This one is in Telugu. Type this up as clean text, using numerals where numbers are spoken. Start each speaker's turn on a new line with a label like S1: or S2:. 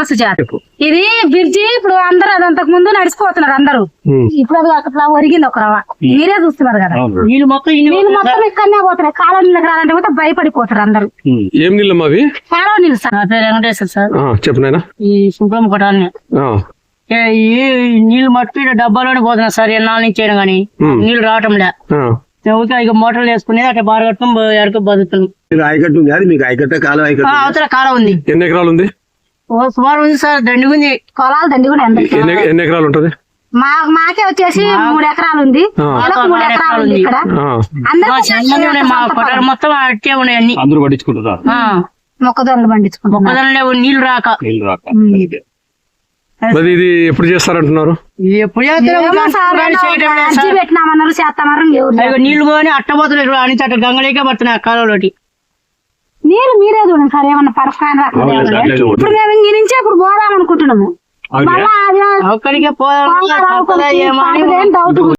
S1: సమస్య చేత ఇది బ్రిడ్జి ఇప్పుడు అందరూ అది అంతకు ముందు నడిచిపోతున్నారు అందరూ. ఇప్పుడు అది అట్లా ఒరిగింది ఒక రవ. మీరే చూస్తున్నారు కదా, నీళ్ళు మొత్తం ఇక్కడనే పోతున్నాయి. కాలువ నీళ్ళకి రాలంటే కూడా భయపడిపోతారు అందరూ.
S2: ఏం నీళ్ళు అవి?
S1: కాలువ నీళ్ళు సార్. నా పేరు వెంకటేశ్వర సార్.
S2: చెప్పిన
S1: ఈ సుబ్రహ్మ కొట్టాలని ఈ నీళ్ళు మట్టి డబ్బాలోనే పోతున్నారు సార్. ఎన్నాళ్ళ నుంచి అయినా గానీ నీళ్ళు రావటం లే. ఇక మోటార్లు వేసుకునేది అట్లా బాగా కట్టుకుని ఎడక బతుకుతుంది. అవతల కాలం ఉంది.
S2: ఎన్ని ఎకరాలు ఉంది?
S1: సుమారు ఉంది సార్. దండి ఉంది, పొలాలు దండి కూడా.
S2: ఎన్ని ఎకరాలు ఉంటది?
S1: మాకే వచ్చేసి 3 ఎకరాలు ఉంది. 3 ఎకరాలు ఉంది ఇక్కడ. మా కొట్టారు మొత్తం అట్టే ఉన్నాయి అన్ని.
S2: అందరూ పట్టించుకుంటారా?
S1: మొక్కజొన్నలు పండించుకుంటారు. మొక్కజొన్నలు నీళ్లు రాక.
S2: మరి ఇది ఎప్పుడు చేస్తారంటున్నారు?
S1: ఎప్పుడు పెట్టినామన్నారు, చేస్తామన్నారు. నీళ్లు పోని అట్టబోతున్నారు అని అట్ట గంగలేకే పడుతున్నాయి ఆ కాలంలోటి. నీళ్ళు మీరే చూడండి సార్, ఏమన్నా పరస్థానం రాకుండా. ఇప్పుడు మేము ఇంక నుంచే ఇప్పుడు పోదాం అనుకుంటున్నాము. ఒక్కడికే పోదాం.